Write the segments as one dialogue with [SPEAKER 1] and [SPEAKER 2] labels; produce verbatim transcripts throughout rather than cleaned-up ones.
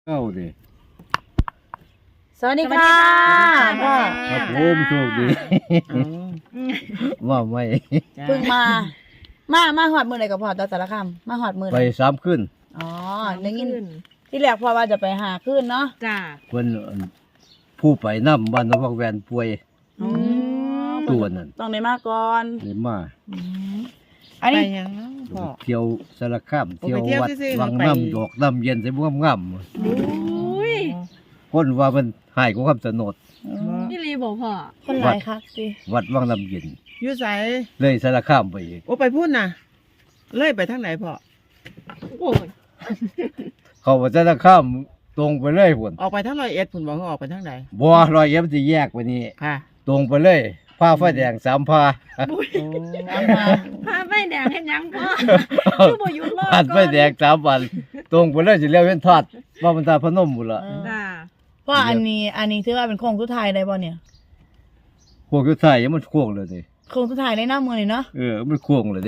[SPEAKER 1] เก้าดิ
[SPEAKER 2] สวัสดีค่ะพ่อ
[SPEAKER 1] ครับผมโชคดีว่าไม่
[SPEAKER 2] เพิ่งมา มามาหอดมือไหนกับพ่อตาสารคามมาหอดมือไห
[SPEAKER 1] ไป
[SPEAKER 2] น
[SPEAKER 1] สามขึ้น
[SPEAKER 2] อ๋อได้ยินที่แรกพ่อว่าจะไปหาขึ้นเนาะ
[SPEAKER 3] จ้า
[SPEAKER 1] เพิ่นผู้ไปน้ำบ้านนพแวนป่วย
[SPEAKER 2] อืม
[SPEAKER 1] ตัวนั่น
[SPEAKER 2] ต้องได้มาก่อน
[SPEAKER 1] เลยมา
[SPEAKER 2] อืมอัน
[SPEAKER 3] ไป
[SPEAKER 2] นี้
[SPEAKER 3] ยังเนาะพ่อ
[SPEAKER 1] เที่ยวสารคาม
[SPEAKER 3] โอ้
[SPEAKER 1] เที่ยว
[SPEAKER 3] ไปเที่ยว
[SPEAKER 1] วัด
[SPEAKER 3] ซื่อๆ
[SPEAKER 1] วัง
[SPEAKER 3] ไป
[SPEAKER 1] น้ำดอกน้ำเย็นใส่บ้วมง่
[SPEAKER 3] อุ้ย
[SPEAKER 1] ำคนว่ามันหายของคำสนด
[SPEAKER 3] นี่รีบอกพ่อ
[SPEAKER 2] คนหลายคักสิ
[SPEAKER 1] วัดวังน้ำเย็น
[SPEAKER 3] อยู่ไส
[SPEAKER 1] เลยสารคามไปอีก
[SPEAKER 3] โอ้ไปพูดนะเลยไปทางไหนพ่อโอ้ย
[SPEAKER 1] เขาว่าสารคามตรงไปเลยพุ่น
[SPEAKER 3] ออกไปทางร้อยเอ็ดพุ่นบอกว่าออกไปทางไหน
[SPEAKER 1] บัวรอยเย็บจะแยกไปนี่
[SPEAKER 3] ค่ะ
[SPEAKER 1] ตรงไปเลยผ้าไฟแดงสามผ้า
[SPEAKER 3] โอ้
[SPEAKER 2] เอามา
[SPEAKER 4] พาไฟแดงเห็นยังพ่อคือบ่หยุดรอ
[SPEAKER 1] ผ่านไฟแดงสามวัน ตรงไปเลยสิเลี้ยวเว้นทอดว่ามันตาพนมบุละ
[SPEAKER 2] เออ
[SPEAKER 4] จ้า
[SPEAKER 2] พ่ออันนี้ อันนี้ถือว่าเป็นโค้งสุดท้ายได้บ่เนี่ย
[SPEAKER 1] พวกยุทธายยังมันโค้งเลยสิ
[SPEAKER 2] โค้งสุดท้ายได้หน้ามือนี่เนาะ
[SPEAKER 1] เออมันโค้งเลยสิ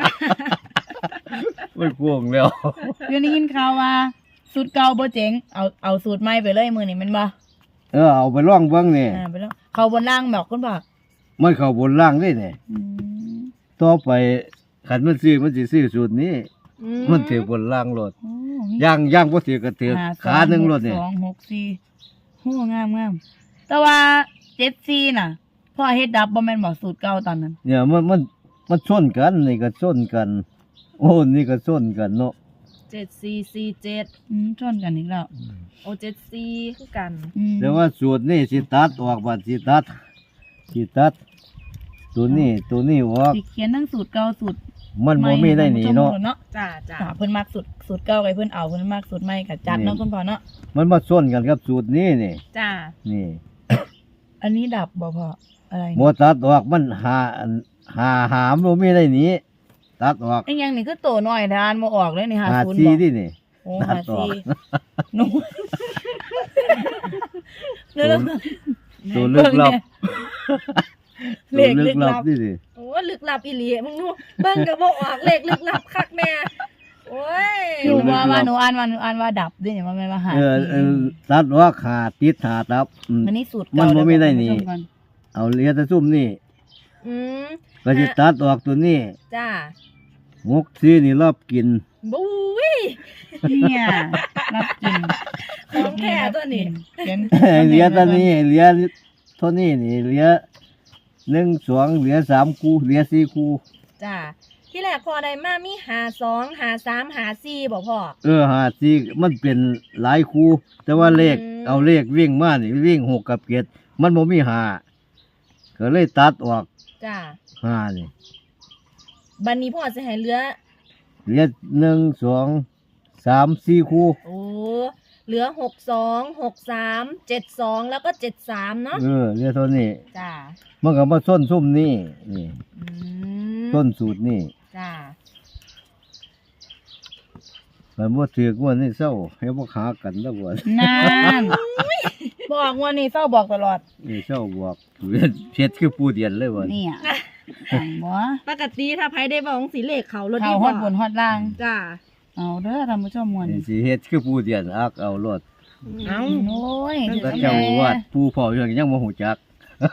[SPEAKER 1] มันโค้งแล้ว
[SPEAKER 2] เดี๋ยวนี้ยินข่าวว่าสูตรเก่าบ่เจ๋งเอาเอาสูตรใหม่ไปเลยมือนี่แมันบ่
[SPEAKER 1] เออเอาไปล่องเบิ้งนี่
[SPEAKER 2] อ่าไปแล้วเขาบนล่างแบบคุณพ่อ
[SPEAKER 1] มันเข้าบนล่างนี่นี่
[SPEAKER 2] อืม
[SPEAKER 1] ต่อไปขันมันซื้อมันสิซื้อสูตรนี้
[SPEAKER 4] อื
[SPEAKER 1] มันถือบนล่างรถ
[SPEAKER 2] โอ้
[SPEAKER 1] ย่างย่างบ่ถือก็ถือ
[SPEAKER 2] ห้
[SPEAKER 1] ขาหนึ่งรถนี่
[SPEAKER 2] สองหกสี่โหงามงามแต่ว่าเจ็ดสี่น่ะพ่อเฮ็ดดับบ่แม่นบอกสูตรเก่าตอนนั้น
[SPEAKER 1] เนี่ยมันมันมันชนกันนี่ก็ชนกัน โอ้นี่ก็ชนกันเนาะ
[SPEAKER 4] เจ็ดสี่สี่เจ็ด
[SPEAKER 2] อืมชนกันอีกแล้ว
[SPEAKER 4] โอเจ็ดสี่คือกัน
[SPEAKER 2] อืม
[SPEAKER 1] แต่ว่าสูตรนี่สิตัดออกบัดสิตัดสิตัด ตัวนี้ตัวนี้ออก
[SPEAKER 2] สิเขียนทั้งสูตรเก่าสูตร
[SPEAKER 1] มันบ่มีได้หนีเนาะ
[SPEAKER 2] เนาะ
[SPEAKER 4] จ้าจ้า
[SPEAKER 2] ค่ะเพิ่นมักสูตรสูตรเก่าไว้เพิ่นเอาเพิ่นมักสูตรใหม่ก็จัดเนาะคุณพ่อเนาะ
[SPEAKER 1] มันมาส้นกันกับสูตรนี้นี่
[SPEAKER 4] จ้า
[SPEAKER 1] นี่
[SPEAKER 2] อันนี้ดับบ่พ่ออะไร
[SPEAKER 1] โมตัดออกมันหาหาหามโมมีได้หนีตัดออก
[SPEAKER 2] ไอ้หยังนี่คือโตน้อยทานบ่ออกเลยนี่
[SPEAKER 1] หา
[SPEAKER 2] ห้าศูนย์
[SPEAKER 1] ซี
[SPEAKER 2] บ่
[SPEAKER 1] ที่นี่
[SPEAKER 2] โอ้
[SPEAKER 1] ตั
[SPEAKER 2] ห้า
[SPEAKER 1] ดออก
[SPEAKER 2] สี่หนูเดี๋ยวๆ
[SPEAKER 1] ตัวลึกลับ
[SPEAKER 2] เล
[SPEAKER 1] ตัว
[SPEAKER 2] ข
[SPEAKER 1] ลึ
[SPEAKER 2] ลึ
[SPEAKER 1] ก
[SPEAKER 2] ก
[SPEAKER 1] ลั
[SPEAKER 2] ลั
[SPEAKER 1] บบ ที่นี่
[SPEAKER 4] โอ้ลึกลับอีหลีมึงดูเบิ่งก็บ่ออกเลขลึกลับคักแน่โอ้ย
[SPEAKER 2] หนูว่าว่าหนูอ่านว่าหนูอ่านว่าดับด้วยเนี่ยมันไม่มาหา
[SPEAKER 1] เออเออตัดออกหาติดหาตับอืม
[SPEAKER 2] มันนี่สูตร
[SPEAKER 1] มั
[SPEAKER 2] เก่าน
[SPEAKER 1] บ่มีได้นี่
[SPEAKER 2] เยวบอกคุณผู้ชมก่อน
[SPEAKER 1] เอาเหลียแต่ซุ่มนี่
[SPEAKER 4] อืม
[SPEAKER 1] ก็จะตัดออกตัวนี้
[SPEAKER 4] จ้า
[SPEAKER 1] หกซีนี่รอบกิน
[SPEAKER 4] บุ้ย
[SPEAKER 2] เนี่ยรับกิน
[SPEAKER 4] ของแท้ตัวนี้
[SPEAKER 2] เขียน
[SPEAKER 1] เหลียตัวนี้เหลียเท่านี้นี่เหลียหนึ่งสองเหลียสามคู่เหลียสี่คู่
[SPEAKER 4] จ้าที่แรกพอได้มามีหาสองหาสามหาสี่บ่พ่อ
[SPEAKER 1] เออหาซีมันเป็นหลายคู่แต่ว่าเลข
[SPEAKER 4] อืม
[SPEAKER 1] เอาเลขวิ่งมานี่วิ่งหกกับเจ็ดมันบ่มีหาก็เลยตัดออก
[SPEAKER 4] จ้า
[SPEAKER 1] หานี่
[SPEAKER 4] บัดนี้พ่อสิให้เหลือ
[SPEAKER 1] เหลือหนึ่งสองสามสี่คู่
[SPEAKER 4] โอ้เหลือหกสองหกสามเจ็ดสองแล้วก็เจ็ดสามเนาะ
[SPEAKER 1] เออเหลือเท่านี้
[SPEAKER 4] จ้า
[SPEAKER 1] มันก็มาส้นซุ่มนี่นี่
[SPEAKER 4] อืม
[SPEAKER 1] ส้นสูตรนี่
[SPEAKER 4] จ้า
[SPEAKER 1] มันบ่ถือกว่านี่เศร้าให้บ่ขากันแล้วบ่
[SPEAKER 2] นานบอกว่านี่เฝ้าบอกตลอด
[SPEAKER 1] นี่เศร้าบอกเฮ็ดคือปูเดียนเลยบ่
[SPEAKER 2] เนี่ยสั่งบ่
[SPEAKER 4] ปกติถ้าไผได้บอกสีเลขเขารถ
[SPEAKER 2] เขาฮอดบนฮอดล่าง
[SPEAKER 4] จ้า
[SPEAKER 2] เอาเด้อท่านผู้ชมมวล
[SPEAKER 1] นี่สิเฮ็ดคือปูเดียนอักเอารถ
[SPEAKER 3] เอ้า
[SPEAKER 2] โอ้ย
[SPEAKER 1] ก็เจ้าวัดปูเผาอย่างยังบ่ฮู้จัก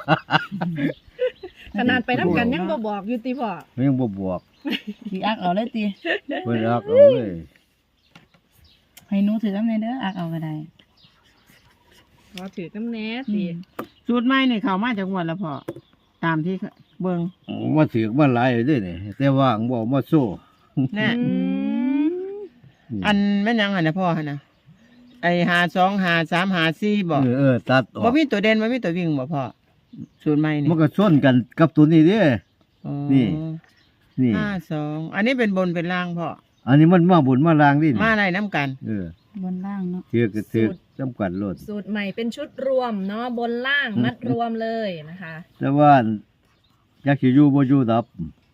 [SPEAKER 4] ขนาดไปน้ำกันยังบ่บอกอยู่ติพ่อ
[SPEAKER 1] ยังบ่บอก
[SPEAKER 2] สิอักเอาเลยติ
[SPEAKER 1] เพิ่นอักเอาเลย
[SPEAKER 2] ให้หนูถือน้ำในเด้ออักเอาก็ได้
[SPEAKER 4] พอถือน้ำแน่
[SPEAKER 2] อื
[SPEAKER 4] สิ
[SPEAKER 2] ม
[SPEAKER 3] สูตรใหม่นี่เข้ามาจากงวดแล้วพ่อตามที่เบิ่ง
[SPEAKER 1] มาถือกมาหลายอยู่เด้นี่แต่ว่าบ่เอามาโซ่
[SPEAKER 3] แน่
[SPEAKER 4] อืม
[SPEAKER 3] อันแม่นยังหั่นนะพ่อหั่นนะไอ้หาสองหาสามหาสี่บ่
[SPEAKER 1] เออเออตัดออ
[SPEAKER 3] บ่
[SPEAKER 1] ก
[SPEAKER 3] มีตัวเด่นบ่มีตัววิ่งบ่พ่อสูตรใหม่นี่
[SPEAKER 1] มันก็ส้นกันกับตัวนี้เด้
[SPEAKER 3] อ๋อ
[SPEAKER 1] นี่ นี่
[SPEAKER 3] ห้าสองอันนี้เป็นบนเป็นล่างพ่อ
[SPEAKER 1] อันนี้มันมาบุญมาลางดิ
[SPEAKER 3] มาอะไรน้ำกัน
[SPEAKER 1] เออบ
[SPEAKER 2] นล่างเนาะ
[SPEAKER 1] ถือกก็ถือกจำกัดรถ
[SPEAKER 4] สูตรใหม่เป็นชุดรวมเนาะบนล่างมัดรวมเลยนะคะ
[SPEAKER 1] แต่ว่าอยากสิอยู่บ่อยู่ดับ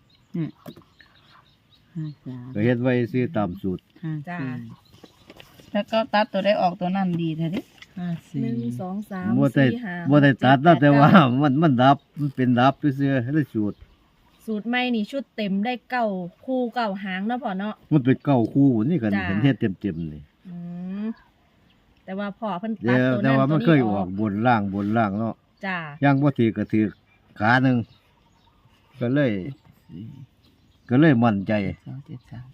[SPEAKER 2] ห้าสาม
[SPEAKER 1] ก็เฮ็ดไว้ซื้อตามสูตร
[SPEAKER 2] ห้า
[SPEAKER 4] จ้า
[SPEAKER 2] สี่แล้วก็ตัดตัวได้ออกตัวนั้นดีแท้ดิ
[SPEAKER 3] ห้าสี่
[SPEAKER 4] หนึ่งสองสาม
[SPEAKER 1] บ่ได้
[SPEAKER 4] สี่ห้า
[SPEAKER 1] บ่ได้ตัด
[SPEAKER 4] เจ็
[SPEAKER 1] นะ
[SPEAKER 4] แป
[SPEAKER 1] แต่ว่า
[SPEAKER 4] เก้
[SPEAKER 1] มันมันดับมันเป็นดับซื่อๆให้ได้สูตร
[SPEAKER 4] สูตรใหม่นี่ชุดเต็มได้เก้าคู่เก้าหางเนาะพ่อเนาะ
[SPEAKER 1] มันเป็นเก้าคู่นี่กัน
[SPEAKER 4] จ้ะ
[SPEAKER 1] เห็นเฮ็ดเต็มๆนี่
[SPEAKER 4] อืมแต่ว่าพ่อเพิ่นตั
[SPEAKER 1] เดี๋
[SPEAKER 4] ด
[SPEAKER 1] ยว
[SPEAKER 4] ตัว
[SPEAKER 1] แต่
[SPEAKER 4] นั้น
[SPEAKER 1] ว่า
[SPEAKER 4] ตั
[SPEAKER 1] มั
[SPEAKER 4] วน
[SPEAKER 1] เค
[SPEAKER 4] นี้
[SPEAKER 1] ย
[SPEAKER 4] อ
[SPEAKER 1] อ
[SPEAKER 4] อ
[SPEAKER 1] อก กบนล่างบนล่างเนาะ
[SPEAKER 4] จ้า
[SPEAKER 1] ย่างบ่ถือก็ถือขาหนึงก็เลย ก็เลยมั่นใจ
[SPEAKER 3] สองเจ็ดสาม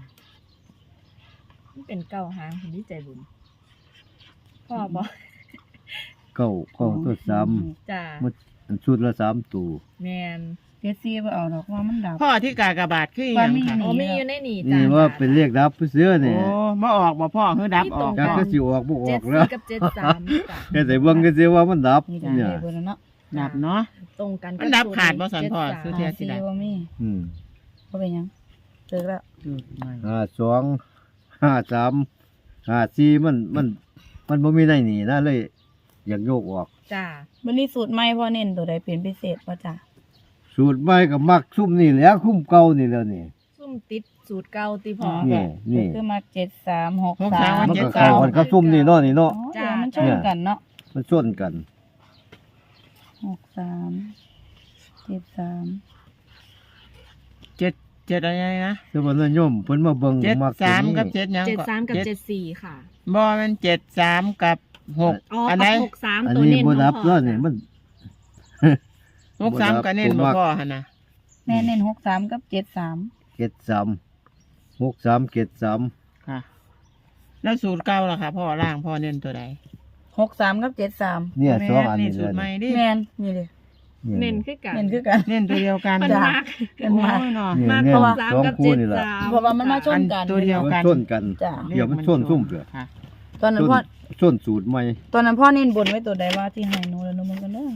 [SPEAKER 4] มันเป็นเก้าหางคนที่ใจบุญพ่อบอก
[SPEAKER 1] เก้าเก้าตัวซ้ำ
[SPEAKER 4] จ้า
[SPEAKER 1] มันชุดละสามตัว
[SPEAKER 4] แมน
[SPEAKER 2] เจ็ดสี่บ่เอาดอกว่ามันดับ
[SPEAKER 3] พ่อที่กากบาทคืออีห
[SPEAKER 2] ว่า
[SPEAKER 3] ยัง
[SPEAKER 2] มี
[SPEAKER 3] ค่ะ
[SPEAKER 4] โอ้มีอยู่ในนี่จ้า
[SPEAKER 1] นี่ว่าเป็นเลขดับเสื้อ
[SPEAKER 3] โอ้
[SPEAKER 1] นี่
[SPEAKER 3] มาออกบ่พ่อคือดับออก
[SPEAKER 1] ก็คือสิออกบ่อ
[SPEAKER 4] เจ็
[SPEAKER 1] อ
[SPEAKER 4] ด
[SPEAKER 1] กแล้
[SPEAKER 4] สี่
[SPEAKER 1] ว
[SPEAKER 4] กับเจ็ดสามจ้า
[SPEAKER 1] แค่แต่เบิ่งก็สิว่ามันดับ
[SPEAKER 2] นี่จ้ะ
[SPEAKER 1] เนี่ย
[SPEAKER 2] เลขเบอร์นั้นเนาะ
[SPEAKER 3] ดับเนาะ
[SPEAKER 4] ตรงกัน
[SPEAKER 3] มันดับขาดบ่สันพ่อ
[SPEAKER 4] เจ็
[SPEAKER 3] ซื้
[SPEAKER 4] ด
[SPEAKER 3] อ
[SPEAKER 4] สาม
[SPEAKER 3] เทีย
[SPEAKER 2] หาสี่บ่มี
[SPEAKER 1] อืม
[SPEAKER 2] บ่เป็นหยังเลิกแล้ว
[SPEAKER 1] ห้าสองห้าสามห้าสี่มันมัน มันบ่มีในนี่นะเลย อยากโยกออก
[SPEAKER 4] จ้า
[SPEAKER 2] วันนี้สูตรใหม่พ่อเน้นตัวใดเป็นพิเศษบ่จ้ะ
[SPEAKER 1] สูตรใหม่ก็มักซุ่มนี่แหล้วคุ้มเก่านี่แล้วนี่
[SPEAKER 4] ซุ่มติดสูตรเก่าตีพ่อ
[SPEAKER 1] นี่นี่
[SPEAKER 2] คือมาเจ็ดสามหก
[SPEAKER 3] หก
[SPEAKER 2] สา
[SPEAKER 3] สาม
[SPEAKER 2] ม
[SPEAKER 1] มัน
[SPEAKER 3] เจ็ด
[SPEAKER 1] ก็เข้ากันกับซุ่มนี่เนาะนี่เนาะ
[SPEAKER 2] อ๋อเดี๋ยวมันชนกันเนาะ
[SPEAKER 1] มันชนกัน
[SPEAKER 2] หกสามเจ็ดสาม
[SPEAKER 3] เจ็ดเจ็ดอะไรนะ
[SPEAKER 1] แต่ว่านิยมเพิ่นมาเบิ่ง
[SPEAKER 3] เจ็ด
[SPEAKER 1] มัก
[SPEAKER 3] สาม
[SPEAKER 1] ตัวนี้
[SPEAKER 3] กับเจ็ดหยัง
[SPEAKER 4] เจ็ด
[SPEAKER 3] ก็
[SPEAKER 4] สามกับเจ็ดสี่ค่ะ
[SPEAKER 3] บ่มันเจ็ดสามกับหก
[SPEAKER 4] อ๋อ
[SPEAKER 3] อันไหน
[SPEAKER 4] กับหกสาม
[SPEAKER 1] อัน
[SPEAKER 4] ตัว
[SPEAKER 1] นี้
[SPEAKER 4] เน้น
[SPEAKER 1] บ่
[SPEAKER 4] ของ
[SPEAKER 1] นับ
[SPEAKER 4] พ่
[SPEAKER 1] แล้
[SPEAKER 4] อ
[SPEAKER 1] วนี่มัน
[SPEAKER 3] หกสามก็เน้นบ่พ่อหั่นน่ะ
[SPEAKER 2] แม่เน้นหกสามกับเจ็ดสาม
[SPEAKER 1] เจ็ดสามหกสามเจ็ดสาม
[SPEAKER 3] ค่ะ แล้วสูตรเก่าล่ะค่ะพ่อล่างพ่อเน้นตัวใด
[SPEAKER 2] หกสามกับเจ็ดสาม
[SPEAKER 1] เนี่ยสองอัน
[SPEAKER 3] นี่
[SPEAKER 1] นี้
[SPEAKER 3] สู
[SPEAKER 1] เล
[SPEAKER 3] ต
[SPEAKER 1] ย
[SPEAKER 3] รใหม่ดิ
[SPEAKER 2] แม่นนี่เลย
[SPEAKER 4] เน้นคือกัน
[SPEAKER 2] เน้นคือกัน
[SPEAKER 3] เน้นตัวเดียวกัน
[SPEAKER 4] มัน
[SPEAKER 2] จ้ะ
[SPEAKER 4] มาก
[SPEAKER 2] เน้นมาก
[SPEAKER 3] โอ้ยเนาะ
[SPEAKER 1] นี่
[SPEAKER 4] มาก
[SPEAKER 1] เนี่ย
[SPEAKER 4] หกสาม
[SPEAKER 1] สอง
[SPEAKER 4] กับ
[SPEAKER 1] คู่
[SPEAKER 4] เจ็ด
[SPEAKER 1] นี่แหละ
[SPEAKER 4] สาม
[SPEAKER 2] เพราะว่ามันมาชนกัน
[SPEAKER 3] อันตัวเดียว
[SPEAKER 1] มันชนกัน
[SPEAKER 2] จ้ะ
[SPEAKER 1] เดี๋ยวมันชนซุ่มเปล่า
[SPEAKER 3] ค่ะ
[SPEAKER 2] ตอนนั้น
[SPEAKER 1] ชน
[SPEAKER 2] พ่อ
[SPEAKER 1] ชนสูตรใหม่
[SPEAKER 2] ตอนนั้นพ่อเน้นบนไว้ตัวใดว่าที่ให้หนูแล้วหนูมันกันเด้อ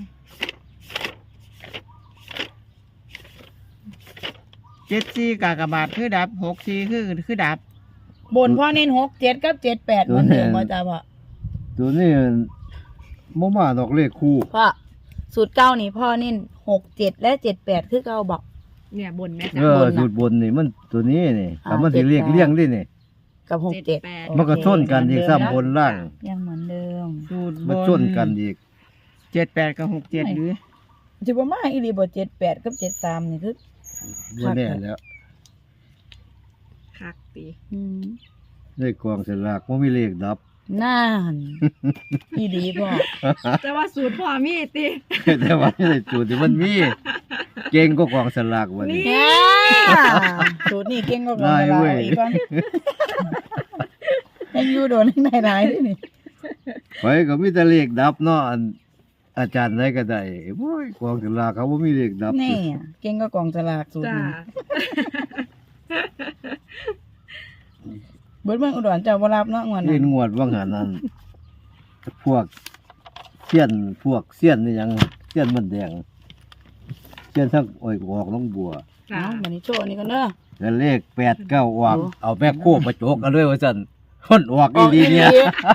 [SPEAKER 3] เจ็ดสี่กากบาทคือดับหกสี่คือคือดับ
[SPEAKER 2] บนพ่อเน้นหกเจ็ดกับเจ็ดแปดเหมือนเดิมว่าจ้าพ่อ
[SPEAKER 1] ตัวนี้บ่มาดอกเลขคู่
[SPEAKER 2] พ่อสูตรเก้านี่พ่อเน้นหกเจ็ดและเจ็ดแปดคือเก้าบอก
[SPEAKER 4] เนี่ยบนแม่
[SPEAKER 1] เอ
[SPEAKER 4] จ้า
[SPEAKER 1] อบ
[SPEAKER 2] นน่ะ
[SPEAKER 1] สูตรบนนี่มันตัวนี้นี่
[SPEAKER 2] อ่า
[SPEAKER 1] ถ้ามันสิ
[SPEAKER 2] เจ็ด
[SPEAKER 1] เรียก
[SPEAKER 2] แปด
[SPEAKER 1] เลี้ยงดินี่
[SPEAKER 2] กับหกเจ็ด
[SPEAKER 4] เจ็ดแปด
[SPEAKER 1] มันก็ชนกันอีกซ้ำบนล่าง
[SPEAKER 2] ยังเหมือนเดิม
[SPEAKER 3] สูตรบ
[SPEAKER 1] มันชนกันอีก
[SPEAKER 3] เจ็ดแปดกับหกเจ็ดหรือ
[SPEAKER 2] จะประมาณอีหลีบ่เจ็ดแปดกับเจ็ดสามนี่คือ
[SPEAKER 1] บ่แน่แล้ว
[SPEAKER 4] คักตี
[SPEAKER 2] อืม
[SPEAKER 1] ในกองสลากบ่มีเลขดับ
[SPEAKER 2] น่านอีหลีพ่อ
[SPEAKER 4] แต่ว่าสูตรพ่อมีตี
[SPEAKER 1] แต่ว่าในสูตรที่มันมี เก่งก็กองสลากวันนี้
[SPEAKER 2] แหม่สูตรนี่เก่งก็กว่า
[SPEAKER 1] ได้
[SPEAKER 2] เรา
[SPEAKER 1] เว้ย
[SPEAKER 2] อีกก่อนยังอยู่โดนข้างในหลายด้วยนี่
[SPEAKER 1] ไปก็มีแต่เลขดับเนาะอันอาจารย์ไหนก็ได้โอ้ยกองสลากเขาบ่มีเลขดับ
[SPEAKER 2] นี่อะเก่งก็กองสลากสูตร
[SPEAKER 4] จ้า
[SPEAKER 2] นี้เบิดเมืองอุดรเจ้าบ่รับเนาะงวด
[SPEAKER 1] เล่
[SPEAKER 2] นั้น
[SPEAKER 1] นงวดว่างหานั้นพวกเสี้ยนพวกเสี้ยนนี่หยังเสี้ยนมันแดงเสี้ยนทั้งอ้อยออกน้องบัว
[SPEAKER 4] จ้า
[SPEAKER 2] เอาบัดนี้โชว์อันนี้กันเด้อ
[SPEAKER 1] แล้วเลขแปดเก้าออก
[SPEAKER 2] โอ้
[SPEAKER 1] เอาแม่โคบมาโจกกันเลยว่าซั่นคนออกอีหลีเนี่ย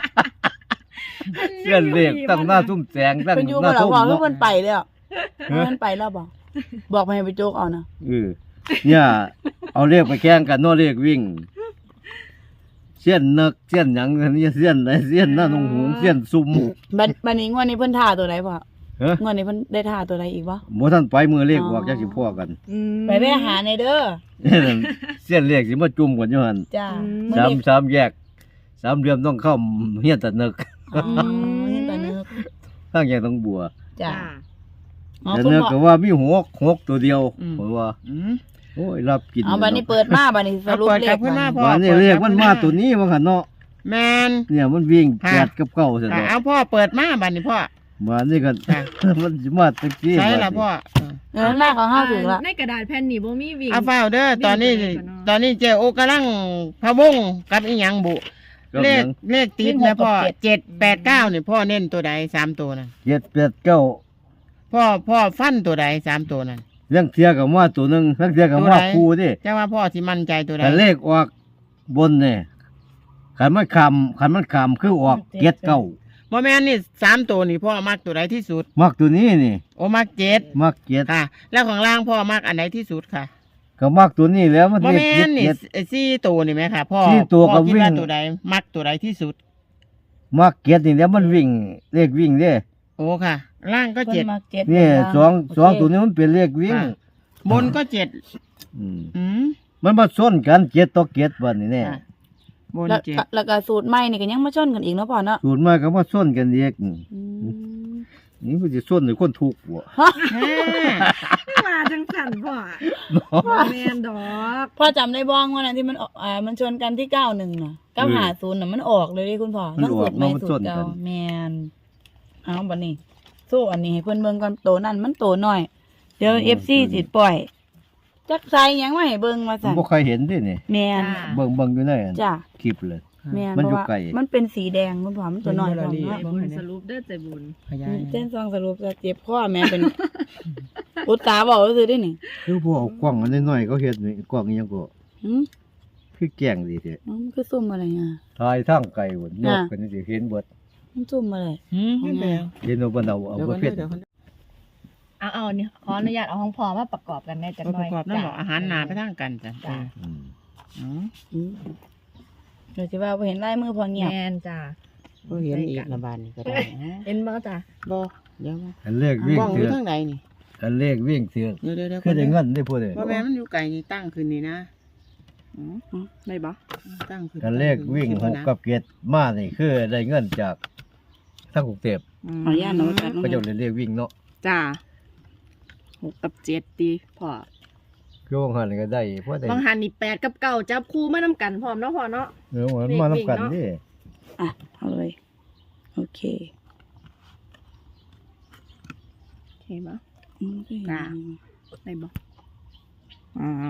[SPEAKER 1] เสี้ยนเลขตั้งหน้าทุ่มแสงตั้ง
[SPEAKER 2] เพิ่นอยู่
[SPEAKER 1] ห
[SPEAKER 2] บ่
[SPEAKER 1] น้า
[SPEAKER 2] ล่ะ
[SPEAKER 1] ทุ่ม
[SPEAKER 2] บอกคือ
[SPEAKER 1] เนาะ
[SPEAKER 2] เพิ่นไปแล้วเพิ่นไปแล้วบ่บอกไปให้ไปโจกเอานะ
[SPEAKER 1] เออเนี่ยเอาเลขไปแข่งกันเนาะเลขวิ่งเสี้ยนนักเสี้ยนหยังอันนี้เสี้ยนไหนเสี้ยนหน้าหนองหงส์เสี้ยนซุ่ม
[SPEAKER 2] บัดบัดนี้งวดนี้เพิ่นท่าตัวใดพ่อ
[SPEAKER 1] เฮ้ย
[SPEAKER 2] งวดนี้เพิ่นได้ท่าตัวใดอีกบ่
[SPEAKER 1] บ่ทันไปมือเลข
[SPEAKER 2] อ๋อ
[SPEAKER 1] ออกจักสิพ่อกัน
[SPEAKER 4] อืม
[SPEAKER 2] ไปแม่หาในเด้อ
[SPEAKER 1] เสี้ยนเลขสิมาจุ่มกันอยู่หั่น
[SPEAKER 2] จ้า
[SPEAKER 4] อืม
[SPEAKER 2] มื้อ
[SPEAKER 1] สาม
[SPEAKER 2] นี้
[SPEAKER 1] สามแยกสามเหลี่ยมต้องเข้าเฮียนตะนึก
[SPEAKER 2] อ๋อเห็นตานึก
[SPEAKER 1] ทางแยกต้องบัว
[SPEAKER 2] จ้า
[SPEAKER 4] จ้า
[SPEAKER 2] อ๋อ
[SPEAKER 1] แต่
[SPEAKER 2] คุณ
[SPEAKER 1] นึก
[SPEAKER 2] พ่อ
[SPEAKER 1] ก็ว่ามีหกหกตัวเดียว
[SPEAKER 3] อืม
[SPEAKER 1] เพราะว่า
[SPEAKER 3] อืม
[SPEAKER 1] โอ้ยรับกิน
[SPEAKER 2] เอาบัดนี้เปิดมาบัดนี้สรุป
[SPEAKER 3] เอาเปิด
[SPEAKER 2] เล
[SPEAKER 3] กลั
[SPEAKER 2] ข
[SPEAKER 3] บขึ้นมา
[SPEAKER 2] บัด
[SPEAKER 3] พ่อ
[SPEAKER 1] วันนี้เลขมันมาตัวนี้ว่าคั่นเนาะ
[SPEAKER 3] แมน
[SPEAKER 1] เนี่ยมันวิ่ง
[SPEAKER 3] ค่ะ
[SPEAKER 1] แปดกับเก้าซั่น
[SPEAKER 3] ค่ะ
[SPEAKER 1] เนาะ
[SPEAKER 3] เอาพ่อเปิดมาบัดนี้พ่อ
[SPEAKER 1] มานี่ก็
[SPEAKER 3] ค่ะ
[SPEAKER 1] มันสิมาตะกี้
[SPEAKER 3] ใช่ละพ่อ
[SPEAKER 2] เออหน้าของเฮาถึงละ
[SPEAKER 4] ในกระดาษแผ่นนี่บ่มีวิ่ง
[SPEAKER 3] เอาเฝ้าเด้อตอนนี้
[SPEAKER 4] วิ่งไปไหนก่อนเนาะ
[SPEAKER 3] ตอนนี้เจ้โอกำลังพะวงกับอีหยังบุ
[SPEAKER 1] กับ
[SPEAKER 3] เล
[SPEAKER 1] ห
[SPEAKER 3] ข
[SPEAKER 1] ยัง
[SPEAKER 3] เลขติดนะพ่อเจ็ดแปดเก้านี่พ่อเน้นตัวใดสามตัวนั่น
[SPEAKER 1] เจ็ดแปดเก้า
[SPEAKER 3] พ่อพ่อฟันตัวใดสามตัวนั่น
[SPEAKER 1] เรื่องเทียกับมาตัวหนึงเรื่องเทียกับ
[SPEAKER 3] ตัว
[SPEAKER 1] มา
[SPEAKER 3] ไหน
[SPEAKER 1] คู่ดิ
[SPEAKER 3] จะว่าพ่อสิมั่นใจตัวใด
[SPEAKER 1] แต่เลขออกบนเนี่ยขันมันคำขันมันคำคือออกเจ็ดเก้า
[SPEAKER 3] บ่แม่นนี่สามตัวนี่พ่อมักตัวใดที่สุด
[SPEAKER 1] มักตัวนี้นี่
[SPEAKER 3] โอ้มักเจ็ด
[SPEAKER 1] มักเจ็ด
[SPEAKER 3] ค่ะ แล้วของล่างพ่อมักอันไหนที่สุดค่ะ
[SPEAKER 1] ก็มักตัวนี้แล้วมัน
[SPEAKER 3] บ่
[SPEAKER 1] เลข
[SPEAKER 3] แม่
[SPEAKER 1] เจ็
[SPEAKER 3] น
[SPEAKER 1] ด
[SPEAKER 3] นี่
[SPEAKER 1] เจ็ด
[SPEAKER 3] ไอ้สี่ตัวนี่ไหมค่ะพ่อ
[SPEAKER 1] สี่ตัว
[SPEAKER 3] พ่อ
[SPEAKER 1] ก็
[SPEAKER 3] คิด
[SPEAKER 1] วิ่ง
[SPEAKER 3] ว่าตัวใดมักตัวใดที่สุด
[SPEAKER 1] มักเจ็ดนี่แล้วมันวิ่งเลขวิ่งเด้
[SPEAKER 3] โอ้ค่ะ ล่างก็
[SPEAKER 2] เพิ่
[SPEAKER 3] เจ็
[SPEAKER 2] น
[SPEAKER 3] ด
[SPEAKER 2] มาเจ็ด
[SPEAKER 1] นี่
[SPEAKER 2] เพิ่น
[SPEAKER 1] สอง
[SPEAKER 2] โเค
[SPEAKER 1] สองตัวนี้มันเป็นเลขวิ่ง
[SPEAKER 3] ค่ะ บนก็เจ็ด
[SPEAKER 1] อืม
[SPEAKER 3] อืม
[SPEAKER 1] มันมาส้นกันเจ็ดต่อเจ็ดวันนี่แน่
[SPEAKER 3] ค่ะบน
[SPEAKER 2] แล้ว
[SPEAKER 3] เจ็ด
[SPEAKER 2] แล้วก็สูตรใหม่นี่ก็ยังมาชนกันอีกเนาะพ่อเนาะ
[SPEAKER 1] สูตรมาก็มาส้นกันเอก
[SPEAKER 2] อืม
[SPEAKER 1] นี่มันจะส้นในคนทุกข์บ่
[SPEAKER 3] แหม
[SPEAKER 4] มาจังสันพ่อแมนดอก
[SPEAKER 2] พ่อจำได้บ้องว่านั้นที่มันออกอ่ามันชนกันที่เก้าหนึ่งน่ะเก้าหาศูนย์น่ะมันออกเลยเดิคุณพ่อทั้งสูตรใหม่สูตรเก่าแมนเอาบัดนี้สู้อันนี้ให้เพิ่นเบิ่งก่อนโตนั่นมันโตน้อย เดี๋ยว เอฟ ซี สิปล่อย จักใส่หยังมาให้เบิ่งว่า
[SPEAKER 1] ผม
[SPEAKER 2] ซั่น
[SPEAKER 1] บ่เคยเห็นเด้นี่
[SPEAKER 2] แมน
[SPEAKER 4] จ้า
[SPEAKER 1] เบิ่งเบิ่งอยู่ในอัน
[SPEAKER 2] จ้ะ
[SPEAKER 1] คลิปเลย
[SPEAKER 2] แมน
[SPEAKER 1] มัน
[SPEAKER 2] เพ
[SPEAKER 1] อยู่
[SPEAKER 2] ราะว่า
[SPEAKER 1] ไกล
[SPEAKER 2] มันเป็นสีแดงคุณพ่อมันตัวน้อย
[SPEAKER 3] เป็น
[SPEAKER 2] ของ
[SPEAKER 3] เวลา
[SPEAKER 2] เนาะ
[SPEAKER 3] ดี
[SPEAKER 4] บุญสรุปเด้อใจบุญ
[SPEAKER 3] ขยาย
[SPEAKER 2] เส้นซองสรุปจะเจ็บข้อแม่เป็น อุตสาห์บอกก็คือได้นี่
[SPEAKER 1] คือพวกเอากล้องอันน้อยๆเขาเฮ็ดนี่กล้องอีหยังก็
[SPEAKER 2] หืม
[SPEAKER 1] คือแกล้งดีแท้
[SPEAKER 2] มันคือซุ่มอะไรอ่ะ
[SPEAKER 1] ถ่ายทางไกลพุ่นยกกันนี่สิเห็นเบิด
[SPEAKER 2] มันซุ่มอะไร
[SPEAKER 3] หืมเดี๋ยว
[SPEAKER 1] เห็นว่าเพิ่นเอาเอา
[SPEAKER 3] เดี๋ยว
[SPEAKER 1] บ่
[SPEAKER 3] ก่อน
[SPEAKER 1] เพ็ด
[SPEAKER 3] เดี๋ยวก่อน
[SPEAKER 4] เอาเอานี่ขออนุญาตเอาของพ่อมาประกอบกันได้จัง
[SPEAKER 3] เอา
[SPEAKER 4] ห
[SPEAKER 3] ป
[SPEAKER 4] น่อย
[SPEAKER 3] ระกอบนั่นบอกอาหารหนาไปทางกันจ้ะ
[SPEAKER 4] จ้า
[SPEAKER 1] อืม
[SPEAKER 3] อ๋อ
[SPEAKER 2] อืมเดี๋ยวจะว่าบ่เห็นลายมือพอเงียบ
[SPEAKER 4] แมนจ้า
[SPEAKER 3] บ่เห็นอีกระบาดนี่ก็ได้อ๋อ
[SPEAKER 4] เห็นบ่จ้า
[SPEAKER 3] บ่เดี๋ยวมา
[SPEAKER 1] อันเลขวิ่ง
[SPEAKER 3] บ้องอ
[SPEAKER 1] เถื
[SPEAKER 3] ยู่
[SPEAKER 1] อก
[SPEAKER 3] ทางใดนี่
[SPEAKER 1] อันเลขวิ่งเถือก
[SPEAKER 3] เดี๋ยวเดี๋ยวเดี๋ยว
[SPEAKER 1] คือได้เงินได้พูดเลย
[SPEAKER 3] พ่อแม่มันอยู่ไกลนี่ตั้งขึ้นนี่นะอ๋อ
[SPEAKER 2] อ๋อได้บ่
[SPEAKER 3] ตั้งขึ้น
[SPEAKER 1] อันเลขวิ่งหกกับเกตมานี่คือได้เงินจากทางกรุงเทพ
[SPEAKER 2] ขออนุญาตเนาะจ้ะ
[SPEAKER 1] เขาเจ้าเลยเรียกวิ่งเนาะ
[SPEAKER 2] จ้าหกกับเจ็ดดีพอ
[SPEAKER 1] คือว่าหันก็ได้เพราะได้
[SPEAKER 4] บางหันนี่แปดกับเก้าจับคู่มานํกันพร้อมเนาะพ่อเนาะ
[SPEAKER 1] เออมันมานํกันนี่
[SPEAKER 2] อ่ะเอาเลยโอเค
[SPEAKER 4] เห็นบ่
[SPEAKER 2] อืมก็เห็น
[SPEAKER 4] จ้ะ ได้บ่
[SPEAKER 3] อ่า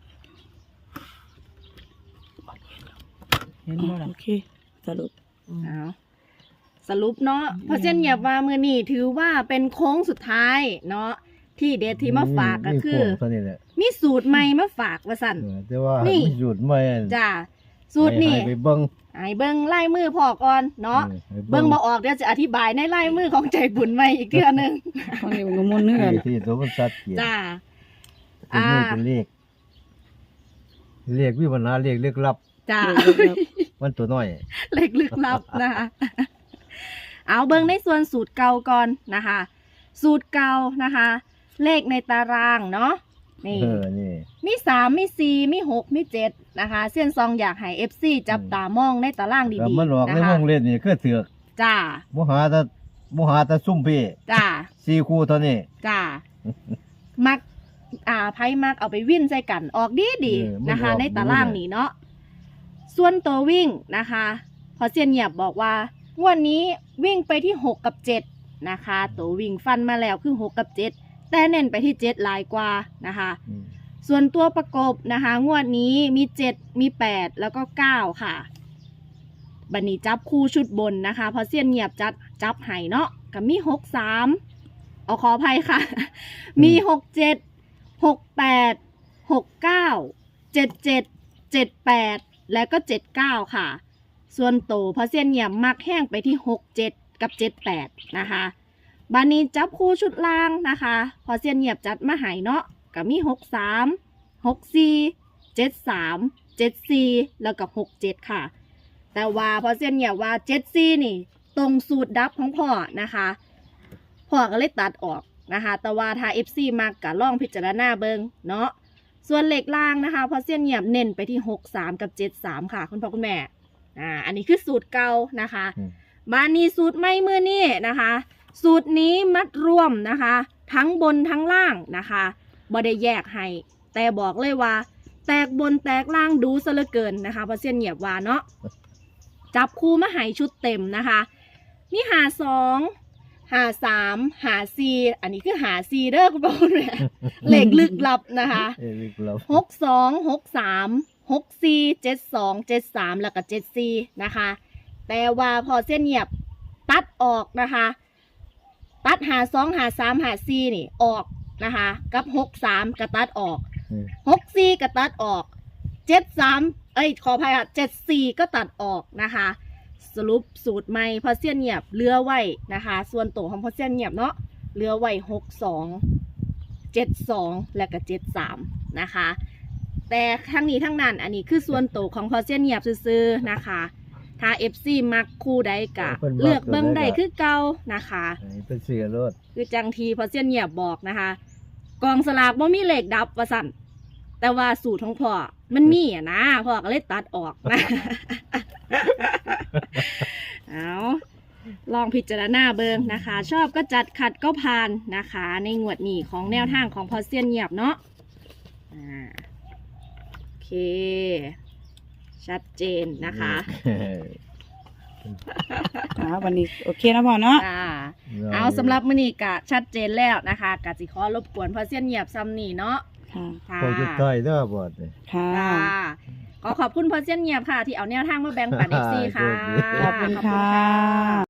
[SPEAKER 3] เห็นบ่ล่ะ
[SPEAKER 2] โอเคสรุป
[SPEAKER 4] เอาสรุปเนาะเพราะเช่นเหยียบว่ามือนี่ถือว่าเป็นโค้งสุดท้ายเนาะที่เดทที่มาฝากก็คือ
[SPEAKER 1] มีโงเท่านี้แหละ
[SPEAKER 4] มีสูตรใหม่มาฝากว่าสั่น
[SPEAKER 1] เออแต่ว่า
[SPEAKER 4] นี่
[SPEAKER 1] มีสูตรใหม่อัน
[SPEAKER 4] จ้าสูตรนี่
[SPEAKER 1] ให้ไปเบิ่ง
[SPEAKER 4] ไอ้เบิ้งไล่มือพอก่อนเนาะ
[SPEAKER 1] ออให้
[SPEAKER 4] เบิ้งมาออกเดี๋ยวจะอธิบายในไล่มือของใจบุญใหม่อีกเทื่อหนึง
[SPEAKER 2] ตอนนี้มันก็มุ่นเนื้อ
[SPEAKER 1] ที่ที่ตัวมันชัดเจน
[SPEAKER 4] จ้า
[SPEAKER 1] ตัวนี้เป็นเลขเลขวิปัญหาเลขลึกลับ
[SPEAKER 4] จ้า
[SPEAKER 1] มันตัวน้อย
[SPEAKER 4] เล็กลึกลับนะคะ เอาเบิ้งในส่วนสูตรเก่าก่อนนะคะ สูตรเก่านะคะ เลขในตารางเนาะนี่
[SPEAKER 1] เออนี่
[SPEAKER 4] มีสามมีสี่มีหกมีเจ็ดนะคะเส้นซองอยากให้เอฟซีจับตามองในตาราง
[SPEAKER 1] แต่
[SPEAKER 4] ดี
[SPEAKER 1] มันออก
[SPEAKER 4] ๆ
[SPEAKER 1] ใน
[SPEAKER 4] นะ
[SPEAKER 1] ว
[SPEAKER 4] คะ
[SPEAKER 1] งเล่นนี่คือเถือก
[SPEAKER 4] จ้า
[SPEAKER 1] บ่หาแต่บ่หาแต่ซุ่มพี่
[SPEAKER 4] จ้า
[SPEAKER 1] สี่คู่เท่านี้
[SPEAKER 4] จ้า มัก อ่าไพ่มักเอาไปวิ่นใส่กัน ออกดีดี
[SPEAKER 1] เออมัน
[SPEAKER 4] นะคะ
[SPEAKER 1] ออก
[SPEAKER 4] ในตาราง
[SPEAKER 1] ดีเลย
[SPEAKER 4] นี้เนาะ ส่วนตัววิ่งนะคะ พอเซียนเหยียบบอกว่างวันนี้วิ่งไปที่หกกับเจ็ดนะคะ ตัววิ่งฟันมาแล้วคือหกกับเจ็ดแต่เน้นไปที่เจ็ดหลายกว่านะคะ
[SPEAKER 1] อืม
[SPEAKER 4] ส่วนตัวประกบนะคะ งวดนี้มีเจ็ดมีแปดแล้วก็เก้าค่ะ บันนี้จับคู่ชุดบนนะคะเพอเซียนเงียบจัดจับไห้เนาะกับมีหกสามเอาขออภัยค่ะ มีหกเจ็ดหกแปดหกเก้าเจ็ดเจ็ดเจ็ดแปดและก็เจ็ดเก้าค่ะ ส่วนโตเพอเซียนเงียบมักแห้งไปที่หกเจ็ดกับเจ็ดแปดนะคะบันนี้จับคู่ชุดล่างนะคะพอเซียนเงียบจัดมาไห้เนาะกับมีหกสามหกสี่เจ็ดสามเจ็ดสี่แล้วก็หกเจ็ดค่ะ แต่ว่าพอเซียนเงียบว่าเจ็ดสี่นี่ ตรงสูตรดับของพ่อนะคะพ่อก็เลยตัดออกนะคะ แต่ว่าถ้า เอฟ ซี มากกะล่องพิจารณาเบิงเนาะส่วนเหล็กล่างนะคะพอเซียนเงียบเน้นไปที่หกสามกับเจ็ดสามค่ะคุณพ่อคุณแม่อ่าอันนี้คือสูตรเก่านะคะ
[SPEAKER 1] อืม
[SPEAKER 4] บ้านนี้สูตรไม่มือนี่นะคะ สูตรนี้มัดรวมนะคะ ทั้งบนทั้งล่างนะคะบ่ได้แยกให้แต่บอกเลยว่า แตกบนแตกล่างดูซะเหลือเกินนะคะเพราะเส้นเหยียบว่าเนาะจับคู่มาให้ชุดเต็มนะคะ มีหาสองหาสามหาสี่อันนี้คือหาสี่เด้อคุณผู้ชมเนี่ยเหล็กลึกลับนะคะ
[SPEAKER 1] เอ้ยลึกลับ
[SPEAKER 4] หกสองหกสามหกสี่เจ็ดสองเจ็ดสามแล้วก็เจ็ดสี่นะคะ แต่ว่าพอเส้นเหยียบตัดออกนะคะ ตัดหาสองหาสามหาสี่นี่ออกนะคะ กับหกสามก็ตัดออก
[SPEAKER 1] อืม
[SPEAKER 4] หกสี่ก็ตัดออกเจ็ดสามเอ้ยขออภัยค่ะเจ็ดสี่ก็ตัดออกนะคะ สรุปสูตรใหม่พอเซียนเงียบเหลือไว้นะคะ ส่วนตัวของพอเซียนเงียบเนาะเหลือไว้หกสองเจ็ดสองและก็เจ็ดสามนะคะ แต่ทั้งนี้ทั้งนั้นอันนี้คือส่วนตัวของพอเซียนเงียบซื้อๆนะคะ ถ้า เอฟ ซี มักคู่ใดกะ เลือกเบิ้งใดคือเก่านะคะ
[SPEAKER 1] อันนี้เป็นเสือรถ
[SPEAKER 4] คือจังทีพอเซียนเงียบบอกนะคะ กองสลากบ่มีเลขดับว่าสั่นแต่ว่าสูตรของพ่อมันมีอ่ะนะพ่อก็เลยตัดออกนะ เอาลองพิจารณาเบิงนะคะ ชอบก็จัดขัดก็ผ่านนะคะ ในงวดนี้ของแนวทางของพอเซียนเงียบเนาะอ่าโอเค ชัดเจนนะคะ
[SPEAKER 2] อ่าวันนี้โอเคนะพ่อเนาะ
[SPEAKER 4] อ่าเอาสำหรับมื้อนี้ก็ชัดเจนแล้วนะคะกสิขอรบกวนพอเซียนเงียบซ้ำนี่เนาะ
[SPEAKER 2] ค่ะ
[SPEAKER 4] ค่ะ
[SPEAKER 1] พอจะใกล้เด้อบอดเลย
[SPEAKER 2] ค่ะ
[SPEAKER 4] ค่ะขอขอบคุณพอเซียนเงียบค่ะ ที่เอาแนวทางมาแบ่งปัน เอฟ ซี ค่ะ
[SPEAKER 1] โชคดี
[SPEAKER 2] ขอบคุณค่ะ